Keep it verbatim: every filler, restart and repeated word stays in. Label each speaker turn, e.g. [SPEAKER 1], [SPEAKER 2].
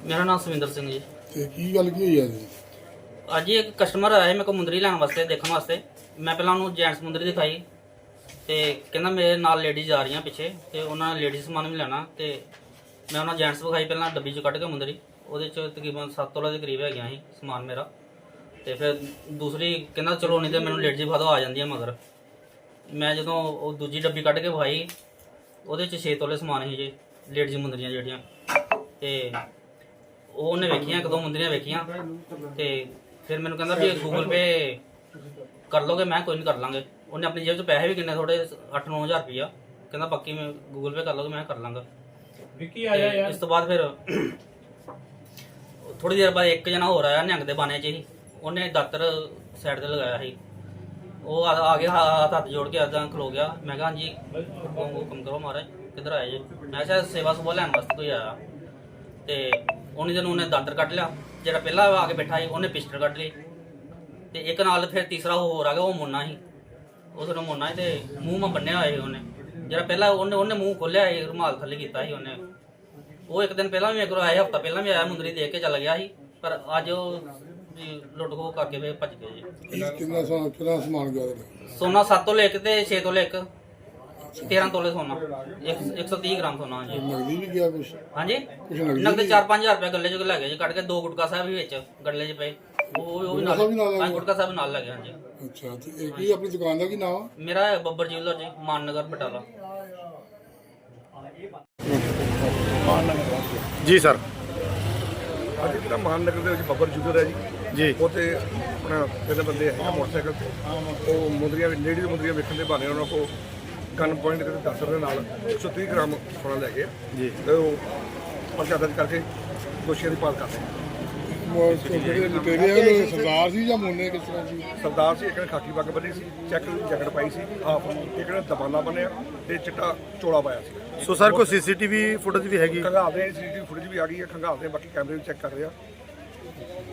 [SPEAKER 1] मेरा नाम सविंदर सिंह जी।
[SPEAKER 2] ਤੇ ਕੀ ਗੱਲ ਕੀ ਹੋਈ ਅੱਜ?
[SPEAKER 1] ਅੱਜ ਹੀ ਇੱਕ ਕਸਟਮਰ ਆਇਆ ਮੇਰੇ ਕੋਲ ਮੁੰਦਰੀ ਲੈਣ ਵਾਸਤੇ ਦੇਖਣ ਵਾਸਤੇ। ਮੈਂ ਪਹਿਲਾਂ ਉਹਨੂੰ ਜੈਂਟਸ ਮੁੰਦਰੀ ਦਿਖਾਈ ਤੇ ਕਹਿੰਦਾ ਮੇਰੇ ਨਾਲ ਲੇਡੀਜ਼ ਆ ਰਹੀਆਂ ਪਿੱਛੇ ਤੇ ਉਹਨਾਂ ਨੇ ਲੇਡੀਜ਼ ਸਮਾਨ ਵੀ ਲੈਣਾ ਤੇ ਮੈਂ ਉਹਨਾਂ ਜੈਂਟਸ ਵਿਖਾਈ ਪਹਿਲਾਂ ਡੱਬੀ 'ਚ ਕੱਢ ਕੇ ਮੁੰਦਰੀ। ਉਹਦੇ 'ਚ ਤਕਰੀਬਨ ਸੱਤ ਤੋਲੇ ਦੇ ਕਰੀਬ ਹੈਗੀਆਂ ਸੀ ਸਮਾਨ ਮੇਰਾ। ਤੇ ਫਿਰ ਦੂਸਰੀ ਕਹਿੰਦਾ ਚਲੋ ਨਹੀਂ ਤੇ ਮੈਨੂੰ ਲੇਡੀਜ਼ ਵਿਖਾ ਦਿਓ ਆ ਜਾਂਦੀਆਂ ਮਗਰ। ਮੈਂ ਜਦੋਂ ਉਹ ਦੂਜੀ ਡੱਬੀ ਕੱਢ ਕੇ ਵਿਖਾਈ ਉਹਦੇ 'ਚ ਛੇ ਤੋਲੇ ਸਮਾਨ ਸੀ ਜੀ ਲੇਡੀਜ਼ ਮੁੰਦਰੀਆਂ ਜਿਹੜੀਆਂ। ਤੇ ਉਹ ਉਹਨੇ ਵੇਖੀਆਂ ਇੱਕ ਦੋ ਮੁੰਦਰੀਆਂ ਵੇਖੀਆਂ ਤੇ ਫਿਰ ਮੈਨੂੰ ਕਹਿੰਦਾ ਵੀ ਗੂਗਲ ਪੇ ਕਰ ਲੋਗੇ। ਮੈਂ ਕੋਈ ਨਹੀਂ ਕਰ ਲਾਂਗੇ। ਉਹਨੇ ਆਪਣੀ ਜੇਬ 'ਚ ਪੈਸੇ ਵੀ ਕਿੰਨੇ ਥੋੜੇ ਅੱਠ ਨੌ ਹਜ਼ਾਰ ਰੁਪਈਆ ਕਹਿੰਦਾ ਬਾਕੀ ਮੈਂ ਗੂਗਲ ਪੇ ਕਰ ਲੋਗੇ ਮੈਂ ਕਰ ਲਾਂਗਾ। ਵਿੱਕੀ ਆਇਆ ਯਾਰ। ਇਸ ਤੋਂ ਬਾਅਦ ਫਿਰ ਥੋੜੀ ਦੇਰ ਬਾਅਦ ਇੱਕ ਜਣਾ ਹੋਰ ਆਇਆ ਨਿਹੰਗ ਦੇ ਬਾਣੇ 'ਚ ਹੀ। ਉਹਨੇ ਦਾਤਰ ਸਾਈਡ ਤੇ ਲਗਾਇਆ ਸੀ। ਉਹ ਆ ਆ ਗਿਆ ਹੱਥ ਹੱਥ ਜੋੜ ਕੇ ਇੱਦਾਂ ਖਲੋ ਗਿਆ। ਮੈਂ ਕਿਹਾ ਹਾਂਜੀ ਹੁਕਮ ਕਰੋ ਮਹਾਰਾਜ ਕਿੱਧਰ ਆਏ ਜੀ? ਮੈਂ ਕਿਹਾ ਸੇਵਾ ਸੁਭਾ ਲੈਣ ਵਾਸਤੇ ਕੋਈ ਆਇਆ। ਤੇ ਉਹਨੇ ਦਿਨ ਉਹਨੇ ਦਾਤਰ ਕੱਢ ਲਿਆ। ਜਿਹੜਾ ਪਹਿਲਾਂ ਆ ਕੇ ਬੈਠਾ ਸੀ ਉਹਨੇ ਪਿਸਟਲ ਕੱਢ ਲਈ ਤੇ ਇੱਕ ਨਾਲ ਫਿਰ ਤੀਸਰਾ ਹੋਰ ਆ ਗਿਆ। ਉਹ ਮੁੰਨਾ ਸੀ। ਉਹ ਥੋੜਾ ਮੁੰਨਾ ਸੀ ਤੇ ਮੂੰਹ ਮਾ ਬੰਨਿਆ ਹੋਇਆ ਸੀ ਉਹਨੇ। ਜਿਹੜਾ ਪਹਿਲਾਂ ਉਹਨੇ ਉਹਨੇ ਮੂੰਹ ਖੋਲਿਆ ਸੀ ਰੁਮਾਲ ਥੱਲੇ ਕੀਤਾ ਸੀ ਉਹਨੇ। ਉਹ ਇੱਕ ਦਿਨ ਪਹਿਲਾਂ ਵੀ ਮੇਰੇ ਕੋਲ ਆਇਆ ਹਫਤਾ ਪਹਿਲਾਂ ਵੀ ਆਇਆ ਮੁੰਦਰੀ ਦੇਖ ਕੇ ਚੱਲ ਗਿਆ ਸੀ। ਪਰ ਅੱਜ ਉਹ ਲੁੱਟ ਖੋਹ ਕਰਕੇ ਫਿਰ ਭੱਜ ਗਏ ਜੀ।
[SPEAKER 2] ਕਿੰਨਾ ਸੋਨਾ ਕਿੰਨਾ ਸਮਾਨ ਗਿਆ ਤੁਹਾਡਾ?
[SPEAKER 1] ਸੋਨਾ ਸੱਤ ਤੋਲੇ ਇੱਕ ਤੇ ਛੇ ਤੋਲੇ ਇੱਕ ਤੇਰਾਂ ਤੋਲੇ ਸੋਨਾ ਇੱਕ ਸੌ ਤੀਹ ਗ੍ਰਾਮ ਸੋਨਾ ਜੀ।
[SPEAKER 2] ਨਗਦੀ ਵੀ ਗਿਆ ਕੁਛ?
[SPEAKER 1] ਹਾਂਜੀ
[SPEAKER 2] ਕੁਛ ਨਗਦੀ
[SPEAKER 1] ਨਗਦ ਚਾਰ ਪੰਜ ਹਜ਼ਾਰ ਰੁਪਏ ਗੱਲੇ ਚ ਲੈ ਗਏ ਜੀ ਕੱਢ ਕੇ। ਦੋ ਗੁਟਕਾ ਸਾਹਿਬ ਵੀ ਵਿੱਚ ਗੱਲੇ ਚ ਪਏ। ਉਹ ਉਹ ਵੀ ਨਾਲ ਪੰਜ ਗੁਟਕਾ ਸਾਹਿਬ ਨਾਲ ਲੈ ਗਏ ਹਾਂਜੀ।
[SPEAKER 2] ਅੱਛਾ ਤੇ ਇਹ ਕੀ ਆਪਣੀ ਦੁਕਾਨ ਦਾ ਕੀ ਨਾਮ ਆ?
[SPEAKER 1] ਮੇਰਾ ਹੈ ਬੱਬਰ ਜਿਊਲਰ ਜੀ ਮਾਨਨਗਰ ਬਟਾਲਾ।
[SPEAKER 3] ਜੀ ਸਰ।
[SPEAKER 4] ਅੱਜ ਜਿਹੜਾ ਮਾਨਨਗਰ ਦੇ ਵਿੱਚ ਬੱਬਰ ਜੁਗਰ ਹੈ ਜੀ
[SPEAKER 3] ਜੀ
[SPEAKER 4] ਉੱਥੇ ਆਪਣਾ ਤਿੰਨ ਬੰਦੇ ਹੈਗੇ ਮੋਟਰਸਾਈਕਲ ਤੇ। ਉਹ ਮੁੰਦਰੀਆਂ ਲੇਡੀ ਮੁੰਦਰੀਆਂ ਵੇਖਣ ਦੇ ਬਹਾਨੇ ਉਹਨਾਂ ਕੋਲ ਗਨ ਪੁਆਇੰਟ ਦੇ ਦਾਤਰ ਦੇ ਨਾਲ ਇੱਕ ਸੌ ਤੀਹ ਗ੍ਰਾਮ ਸੋਨਾ ਲੈ ਗਏ
[SPEAKER 3] ਜੀ।
[SPEAKER 4] ਤੇ ਉਹ ਪਰਚਾ ਦਰਜ ਕਰਕੇ ਦੋਸ਼ੀਆਂ ਦੀ ਭਾਲ ਕਰ ਰਹੇ।
[SPEAKER 2] ਜਿਹੜੇ ਲੁਟੇਰੇ ਆ ਉਹ ਸਰਦਾਰ ਸੀ ਜਾਂ ਮੋਨੇ ਕਿਸ ਤਰ੍ਹਾਂ ਸੀ?
[SPEAKER 4] ਸਰਦਾਰ ਸੀ, ਇੱਕ ਨੇ ਖਾਕੀ ਪੱਗ ਬੰਨੀ ਸੀ, ਚੈੱਕ ਜੈਕਟ ਪਾਈ ਸੀ ਹਾਫ, ਇੱਕ ਨੇ ਦਬਾਨਾ ਬੰਨਿਆ ਤੇ ਚਿੱਟਾ ਚੋਲਾ ਪਾਇਆ ਸੀ।
[SPEAKER 3] ਸੋ ਸਰ ਕੋਈ ਸੀਸੀਟੀਵੀ ਫੁਟੇਜ ਵੀ ਹੈਗੀ?
[SPEAKER 4] ਖੰਗਾਲਦੇ ਸੀਸੀਟੀਵੀ ਫੁਟੇਜ ਵੀ ਆ ਗਈ ਹੈ। ਖੰਗਾਲਦੇ ਬਾਕੀ ਕੈਮਰੇ ਵੀ ਚੈੱਕ ਕਰ ਰਹੇ ਆ।